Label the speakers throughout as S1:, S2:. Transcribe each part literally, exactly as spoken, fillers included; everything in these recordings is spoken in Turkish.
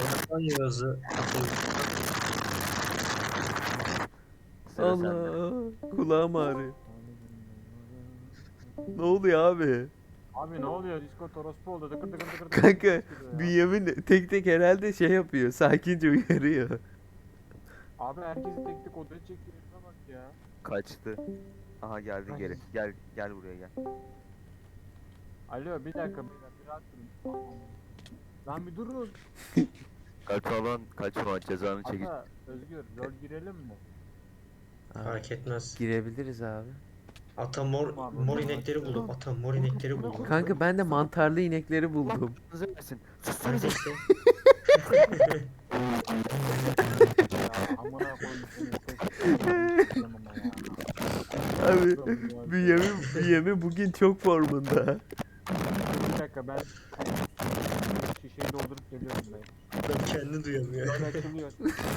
S1: Ramazan Yağız'ı
S2: Sıra sende.
S3: Allah, kulağım ağrıyor. Ne oluyor abi?
S4: Abi ne oluyor? Discord orospu oldu. Dıkır dıkır dıkır dıkır
S3: Kanka
S4: ses geliyor ya.
S3: Bünyamin tek tek herhalde şey yapıyor. Sakince uyarıyor.
S4: Abi herkesi tek tek odaya çekiyor. Şuna bak ya.
S2: Kaçtı. Aha geldin
S4: Ay.
S2: geri. Gel gel buraya gel.
S4: Alo bir dakika beyler bir rahat durun. Lan bir durun.
S2: Kaçma lan kaçma cezanı çekil.
S4: Ata Özgür rol girelim mi?
S1: fark etmez.
S3: Girebiliriz abi.
S1: Ata mor, mor inekleri buldum. Ata mor inekleri buldum.
S3: Kanka ben de mantarlı inekleri buldum.
S2: Hızlı versin.
S1: Ben de işte.
S4: Ya amına koyayım seni tek ama ya.
S3: Abi Bünyamin, Bünyamin bugün çok formunda.
S4: Bir dakika ben şişeyi doldurup geliyorum ben.
S1: Ben kendini duyamıyor.
S4: Rol açılıyor.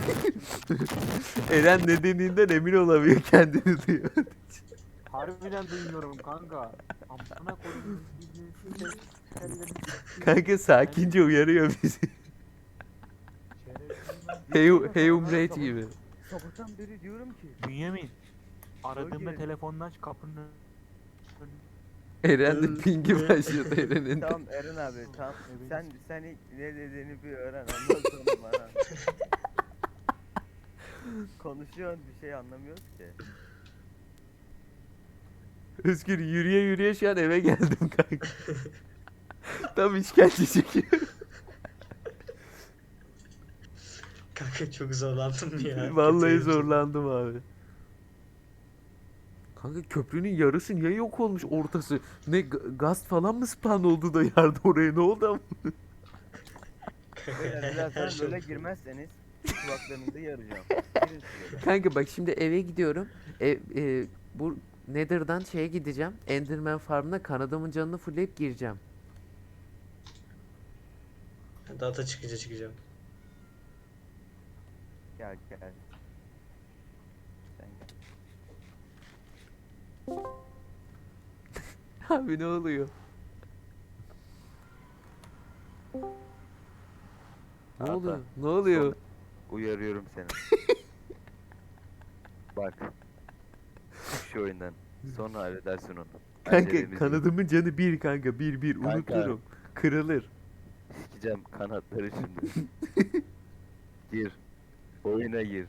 S3: Eren ne dediğinden emin olamıyor, kendini duyuyor.
S4: Harbiden duymuyorum kanka. Amına koyayım. Şerefsiz.
S3: Kanka sakince uyarıyor bizi. Hey, hey Umreyt gibi.
S2: Sabahtan beri diyorum ki.
S4: Bünyamin. Aradığımda
S2: Özgür.
S4: telefonunu aç kapının önünde.
S3: Eren de pingi başladı Eren'in.
S2: Tamam Eren abi tamam.
S4: Evet.
S2: Sen sen ilk ne dediğini bir öğren ondan sonra bana. Konuşuyorsun bir şey anlamıyoruz ki.
S3: Özgür yürüye yürüye şu an eve geldim kanka. Tam işkence çekiyor.
S1: Kanka çok zorlandım ya.
S3: Vallahi
S1: Kötüyüm.
S3: zorlandım abi. Kanka köprünün yarısı niye yok olmuş ortası? Ne ga- gaz falan mı spawn oldu da yardı oraya, ne oldu ama?
S2: Beyler
S1: Her
S2: birazdan
S1: şey
S2: böyle
S1: oldu.
S2: girmezseniz kulaklarınızı yaracağım. Girin şuraya.
S3: Kanka bak şimdi eve gidiyorum. E, e, bu Nether'dan şeye gideceğim. Enderman Farm'ına kanadımın canını fullleyip gireceğim.
S1: Data çıkınca çıkacağım.
S2: Gel gel. Sen gel.
S3: Abi ne oluyor? Ne
S2: Ata,
S3: oluyor? Ne oluyor?
S2: Uyarıyorum seni. Bak. Çık şu oyundan. Sonra halledersin onu.
S3: Kanka
S2: Acelemiz
S3: kanadımın canı bir kanka, bir bir
S2: Kanka.
S3: unuturum. Kırılır.
S2: yok. Sikeceğim kanatları şimdi. Gir. Oyuna gir.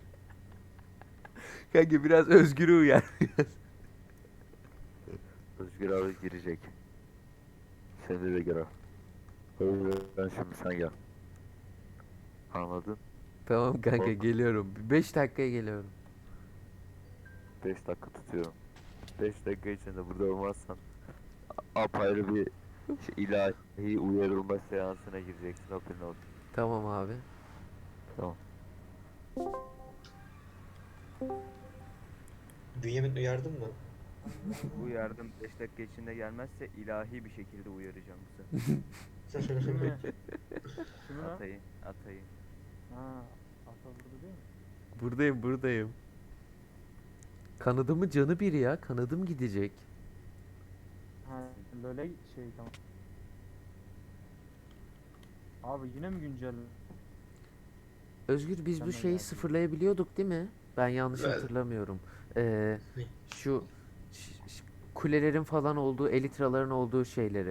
S3: Kanka biraz Özgür'ü uyar.
S2: Özgür abi girecek. Seni de gir abi. Ben şimdi sen gel. Anladın?
S3: Tamam kanka
S2: Kork.
S3: geliyorum. beş dakikaya geliyorum.
S2: beş dakika tutuyorum. beş dakika içinde burada olmazsan apayrı bir şey, ilahi uyarılma seansına gireceksin. Haberin olsun.
S3: Tamam abi.
S2: Tamam.
S1: Bünyamin uyardın mı?
S2: Bu yardım beş dakika içinde gelmezse ilahi bir şekilde uyaracağım size.
S4: Kimi? Kimi lan?
S2: Atayı, atayı.
S4: Ha, ata burada değil mi?
S3: Buradayım buradayım. Kanadımın canı bir ya. Kanadım gidecek.
S4: Ha, böyle şey tamam. Abi yine mi güncel?
S3: Özgür biz
S4: Sen
S3: bu
S4: de
S3: şeyi
S4: geldin.
S3: sıfırlayabiliyorduk değil mi? Ben yanlış
S1: Ben-
S3: hatırlamıyorum. Ee,
S1: Ne?
S3: şu ş- ş- kulelerin falan olduğu, elitraların olduğu şeyleri.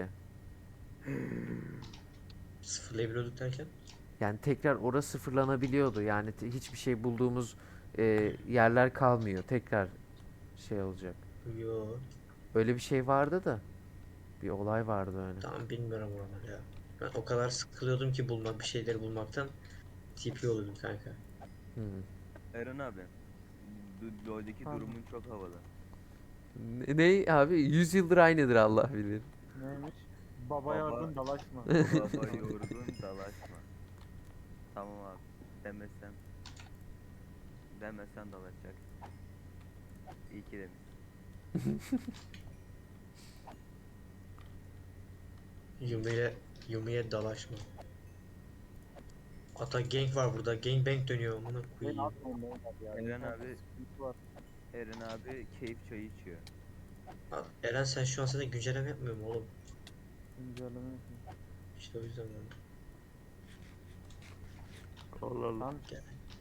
S1: Sıfırlayabiliyorduk derken?
S3: Yani tekrar orası sıfırlanabiliyordu. Yani te- hiçbir şey bulduğumuz e, yerler kalmıyor. Tekrar şey olacak.
S1: Yo.
S3: Öyle bir şey vardı da. Bir olay vardı öyle.
S1: Tamam bilmiyorum oraları ya. Ben o kadar sıkılıyordum ki bulmak bir şeyleri bulmaktan T P oluyordum kanka.
S3: Hmm.
S2: Eren abi. Du- LoL'deki
S4: Pardon.
S2: durumun çok havalı.
S3: Ne, ne abi? yüz yıldır aynıdır Allah bilir.
S4: Neymiş? Baba
S2: Baba-
S4: yardım dalaşma.
S2: Baba yorgun dalaşma. Tamam abi. Demesen. Demesen dalaşacak. İyi ki demiş.
S1: Yumi'ye Yumi'ye dalaşma. Ata gank var burada. Gangbang dönüyor. Amına
S4: Ben
S1: koyayım.
S4: atmayayım beyler ya.
S2: Eren
S4: İnternet
S2: abi-
S4: sıkıntı var.
S2: Eren abi keyif çayı içiyor.
S1: Aa, Eren sen şu an zaten güncelleme yapmıyor mu oğlum?
S4: Güncelleme yapayım.
S1: İşte o yüzden ben.
S2: Allah Allah.
S4: Lan
S1: Gel.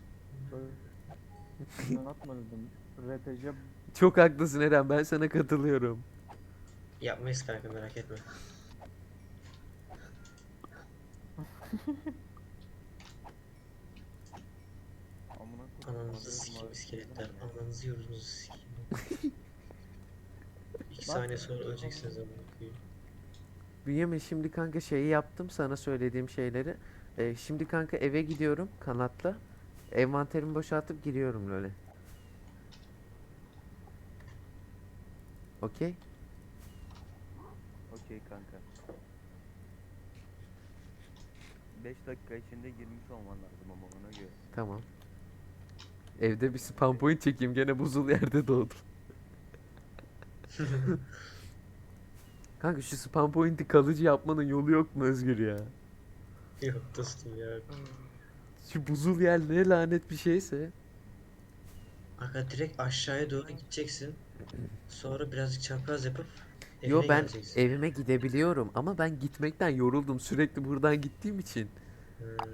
S4: böyle atma dedim. R P G
S3: Çok haklısın Eren, ben sana katılıyorum.
S1: Yapmayız kanka, merak etme.
S4: amına koyayım.
S1: Ananızı sikeyim iskeletler. Ananızı yorunuzu sikeyim. İki
S4: Bak.
S1: saniye sonra öleceksiniz amına koyayım.
S3: Bünyamin, şimdi kanka şeyi yaptım, sana söylediğim şeyleri. Ee, şimdi kanka eve gidiyorum kanatla. Envanterimi boşaltıp giriyorum öyle. Okey?
S2: Okey kanka. beş dakika içinde girmiş olman lazım ama ona göre.
S3: Tamam. Evde bir spam point çekeyim, gene buzul yerde doğdum. Kanka şu spam point'i kalıcı yapmanın yolu yok mu Özgür ya?
S1: Yok dostum ya.
S3: Şu buzul yer ne lanet bir şeyse.
S1: Aga direkt aşağıya doğru gideceksin. Sonra birazcık çapraz yapıp
S3: Yo,
S1: evine
S3: ben
S1: geleceksin.
S3: evime gidebiliyorum ama ben gitmekten yoruldum sürekli buradan gittiğim için.
S1: Hmm.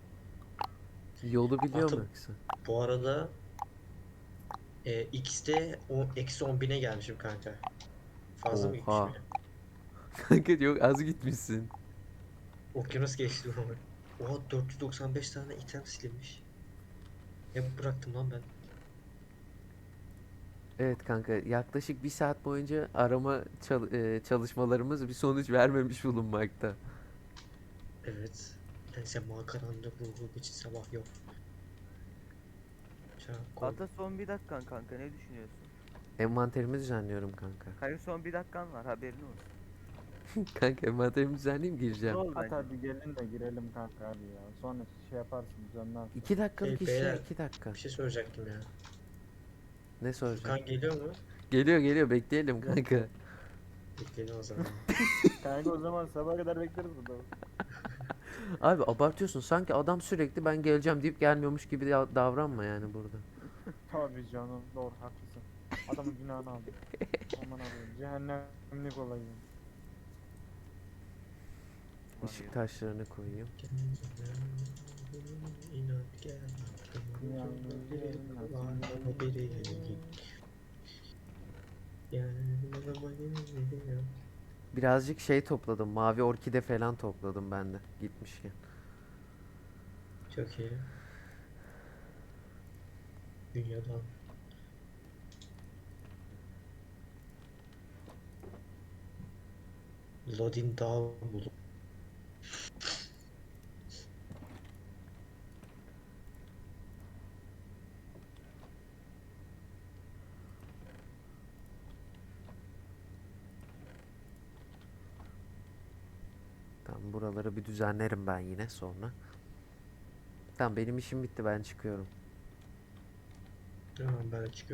S3: Yolu biliyorum
S1: Atım.
S3: yoksa.
S1: Bu arada e, X'de o eksi on bine gelmişim kanka. Fazla mı gitmiş
S3: Oha.
S1: bile?
S3: Kanka yok, az gitmişsin.
S1: Okyanus geçti bu. Oha, dört yüz doksan beş tane item silinmiş. Ne bıraktım lan ben?
S3: Evet kanka, yaklaşık bir saat boyunca arama çal- e, çalışmalarımız bir sonuç vermemiş bulunmakta.
S1: Evet. Neyse, makaranlık ruhu için sabah yok. Çabuk koy.
S2: Hatta son bir dakikan kanka, ne düşünüyorsun?
S3: Envanterimi düzenliyorum kanka.
S2: Kanka son bir dakikan var, haberin olsun.
S3: Kanka envanterimi düzenleyeyim, gireceğim.
S2: Ne oldu
S4: At
S2: bence?
S4: hadi gelin de girelim kanka hadi ya. Sonra şey yaparsın düzenlersin.
S3: İki dakikalık
S1: Hey,
S3: iş ya,
S1: beyler,
S3: iki dakika.
S1: Bir şey soracaktım ya.
S3: Ne soracağım?
S1: Furkan geliyor mu?
S3: Geliyor geliyor, bekleyelim kanka.
S1: Bekleyin o zaman.
S4: Kanka o zaman sabaha kadar bekleriz burada.
S3: Abi abartıyorsun, sanki adam sürekli ben geleceğim deyip gelmiyormuş gibi da- davranma yani burada.
S4: Tabii canım doğru haklısın. Adamın günahını aldı. Aman abi cehennemlik olayım.
S3: Işık taşlarını koyayım.
S1: İnat gel. Var biri. Yanıma gel.
S3: Birazcık şey topladım, mavi orkide falan topladım ben de gitmişken.
S1: Çok iyi. Dünyadan. Lodin Dağı bulup.
S3: Tamam, buraları bir düzenlerim ben yine sonra. Tamam, benim işim bitti, ben çıkıyorum.
S1: Tamam, ben çıkıyorum.